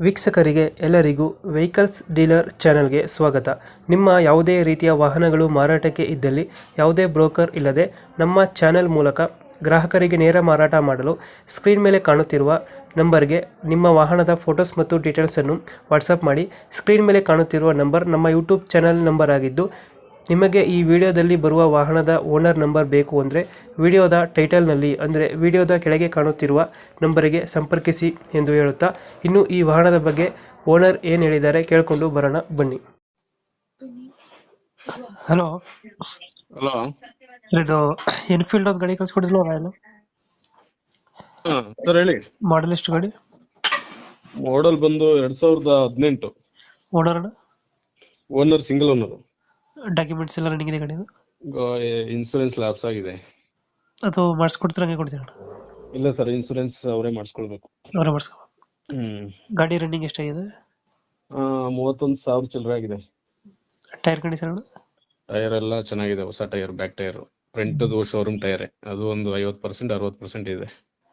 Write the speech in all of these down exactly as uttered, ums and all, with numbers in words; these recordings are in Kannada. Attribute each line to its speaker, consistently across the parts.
Speaker 1: ವೀಕ್ಷಕರಿಗೆ ಎಲ್ಲರಿಗೂ ವೆಹಿಕಲ್ಸ್ ಡೀಲರ್ ಚಾನೆಲ್ಗೆ ಸ್ವಾಗತ. ನಿಮ್ಮ ಯಾವುದೇ ರೀತಿಯ ವಾಹನಗಳು ಮಾರಾಟಕ್ಕೆ ಇದ್ದಲ್ಲಿ ಯಾವುದೇ ಬ್ರೋಕರ್ ಇಲ್ಲದೆ ನಮ್ಮ ಚಾನೆಲ್ ಮೂಲಕ ಗ್ರಾಹಕರಿಗೆ ನೇರ ಮಾರಾಟ ಮಾಡಲು ಸ್ಕ್ರೀನ್ ಮೇಲೆ ಕಾಣುತ್ತಿರುವ ನಂಬರ್ಗೆ ನಿಮ್ಮ ವಾಹನದ ಫೋಟೋಸ್ ಮತ್ತು ಡೀಟೇಲ್ಸನ್ನು ವಾಟ್ಸಪ್ ಮಾಡಿ. ಸ್ಕ್ರೀನ್ ಮೇಲೆ ಕಾಣುತ್ತಿರುವ ನಂಬರ್ ನಮ್ಮ ಯೂಟ್ಯೂಬ್ ಚಾನೆಲ್ ನಂಬರ್ ಆಗಿದ್ದು, ನಿಮಗೆ ಈ ವಿಡಿಯೋದಲ್ಲಿ ಬರುವ ವಾಹನದ ಓನರ್ ನಂಬರ್ ಬೇಕು ಅಂದರೆ ವಿಡಿಯೋದ ಟೈಟಲ್ನಲ್ಲಿ ಅಂದರೆ ವಿಡಿಯೋದ ಕೆಳಗೆ ಕಾಣುತ್ತಿರುವ ನಂಬರಿಗೆ ಸಂಪರ್ಕಿಸಿ ಎಂದು ಹೇಳುತ್ತಾ, ಇನ್ನು ಈ ವಾಹನದ ಬಗ್ಗೆ ಓನರ್ ಏನು ಹೇಳಿದ್ದಾರೆ ಕೇಳಿಕೊಂಡು ಬರೋಣ ಬನ್ನಿ. Hello
Speaker 2: hello.
Speaker 1: ಸರ್, ಇದು ಎನ್ಫೀಲ್ಡ್ ಒಂದು ಗಾಡಿ ಕಳ್ಸ್ಕೊಡಿದ್ಲು ರಾಯಲ್
Speaker 2: ಹಾ ಸರ್ ಹೇಳಿ.
Speaker 1: ಮಾಡಲ್ ಎಷ್ಟು ಗಾಡಿ?
Speaker 2: ಮಾಡೆಲ್ ಬಂದು ಎರಡ್ ಸಾವಿರದ ಹದಿನೆಂಟು.
Speaker 1: Owner
Speaker 2: owner single owner.
Speaker 1: Documents ಎಲ್ಲ ರನ್ನಿಂಗ್ ಇದೆ ಗಾಡಿದು?
Speaker 2: ಇನ್ಸೂರೆನ್ಸ್ ಲ್ಯಾಪ್ಸ್ ಆಗಿದೆ.
Speaker 1: ಅದು ಮಾಡಿಸ್ಕೊಡ್ತೀರ ಹಂಗೆ ಕೊಡ್ತೀರ?
Speaker 2: ಇಲ್ಲ ಸರ್, ಇನ್ಸೂರೆನ್ಸ್ ಅವರೇ ಮಾಡಿಸ್ಕೊಳ್ಬೇಕು.
Speaker 1: ಅವರೇ ಮಾಡಿಸ್ಕೊ.
Speaker 2: ಹ್ಮ್
Speaker 1: ಗಾಡಿ ರನ್ನಿಂಗ್ ಎಷ್ಟಾಗಿದೆ?
Speaker 2: ಆ ಮೂವತ್ತೊಂದು ಸಾವಿರ ಚಿಲ್ಲರೆ ಆಗಿದೆ.
Speaker 1: Tyre condition?
Speaker 2: ಟೈರ್ ಎಲ್ಲ ಚೆನ್ನಾಗಿದೆ, ಹೊಸ tyre, back tyre. Front showroom tyre, ಅದು ಒಂದು ಐವತ್ತು ಪರ್ಸೆಂಟ್ ಅರವತ್ತು ಪರ್ಸೆಂಟ್ ಇದೆ.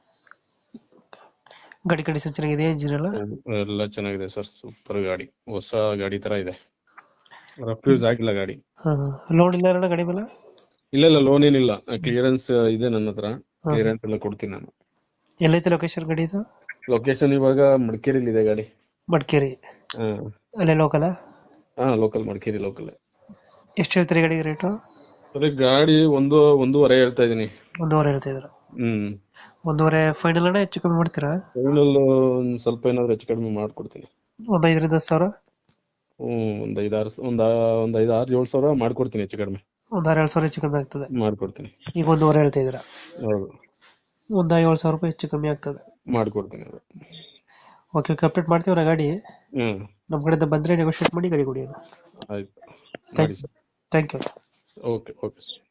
Speaker 1: ಗಾಡಿ ಕಂಡೀಷನ್ ಚೆನ್ನಾಗಿದೆ, ಇಂಜಿನ್ ಎಲ್ಲ?
Speaker 2: ಎಲ್ಲ ಚೆನ್ನಾಗಿದೆ ಸರ್, ಸೂಪರ್ ಗಾಡಿ, ಹೊಸ ಗಾಡಿ ತರ ಇದೆ. ರಫ್ಯೂಸ್ ಆಗಿಲ್ಲ ಗಾಡಿ.
Speaker 1: ಲೋನ್ ಇಲ್ಲ ಅಣ್ಣ ಗಾಡಿ ಮೇಲೆ?
Speaker 2: ಇಲ್ಲ ಇಲ್ಲ, ಲೋನ್ ಏನಿಲ್ಲ, ಕ್ಲಿಯರೆನ್ಸ್ ಇದೆ ನನ್ನ ಹತ್ರ. ಕ್ಲಿಯರೆನ್ಸ್ ಎಲ್ಲ ಕೊಡ್ತೀನಿ ನಾನು.
Speaker 1: ಎಲ್ಲೈತೆ ಲೊಕೇಶನ್ ಗಾಡಿ ಇದು?
Speaker 2: ಲೊಕೇಶನ್ ಇವಾಗ ಮಡಿಕೇರಿಲಿ ಇದೆ ಗಾಡಿ.
Speaker 1: ಮಡಿಕೇರಿ?
Speaker 2: ಹಾ
Speaker 1: ಅಲ್ಲೇ ಲೋಕಲ್?
Speaker 2: ಹಾ ಲೋಕಲ್, ಮಡಿಕೇರಿ ಲೋಕಲ್.
Speaker 1: ಎಷ್ಟು ಹೇಳ್ತೀರಿ ಗಾಡಿಗೆ ರೇಟು?
Speaker 2: ಸರಿ, ಗಾಡಿ ಒಂದು ಒಂದೂವರೆ ಹೇಳ್ತಾ ಇದೀನಿ.
Speaker 1: ಒಂದೂವರೆ ಹೇಳ್ತಾ ಇದ್ರ?
Speaker 2: ಹ್ಮ್
Speaker 1: ಒಂದೂವರೆ ಫೈನಲ್ ಅಣ್ಣ, ಹೆಚ್ಚು ಕಮ್ಮಿ ಮಾಡ್ತೀರಾ?
Speaker 2: ಫೈನಲ್ ಒಂದ್ ಸ್ವಲ್ಪ ಏನಾದ್ರು ಹೆಚ್ಚು ಕಡಿಮೆ ಮಾಡ್ಕೊಡ್ತೀನಿ.
Speaker 1: ಒಂದ್ ಐದರಿಂದ ಹತ್ತು ಸಾವಿರ?
Speaker 2: ಹ್ಮ್ ಒಂದ್ ಐದಾರು ಒಂದ್ ಒಂದ್ ಐದ್ ಆರು ಏಳು ಸಾವಿರ ಮಾಡ್ಕೊಡ್ತೀನಿ, ಹೆಚ್ಚು ಕಡಿಮೆ
Speaker 1: ಒಂದ್ ಆರು ಏಳು ಸಾವಿರ ಹೆಚ್ಚು ಕಮ್ಮಿ ಆಗ್ತದೆ?
Speaker 2: ಮಾಡ್ಕೊಡ್ತೀನಿ.
Speaker 1: ಈಗ ಒಂದೂವರೆ ಹೇಳ್ತಾ ಇದ್ದೀರಾ?
Speaker 2: ಹೌದು,
Speaker 1: ಒಂದ್ ಏಳು ಸಾವಿರ ರೂಪಾಯಿ ಹೆಚ್ಚು ಕಮ್ಮಿ ಆಗ್ತದೆ.
Speaker 2: ಮಾಡ್ಕೊಡ್ತೀನಿ.
Speaker 1: ಓಕೆ ಓಕೆ, ಅಪ್ಡೇಟ್ ಮಾಡ್ತೀವಿ ಗಾಡಿ.
Speaker 2: ಹ್ಮ್
Speaker 1: ನಮ್ಮ ಕಡೆಯಿಂದ ಬಂದ್ರೆ ನೆಗೋಷಿಯೇಟ್ ಮಾಡಿ ಗಾಡಿ ಕೊಡಿ.
Speaker 2: ಆಯ್ತು, ಮಾಡಿ sir.
Speaker 1: Thank you.
Speaker 2: Okay okay sir.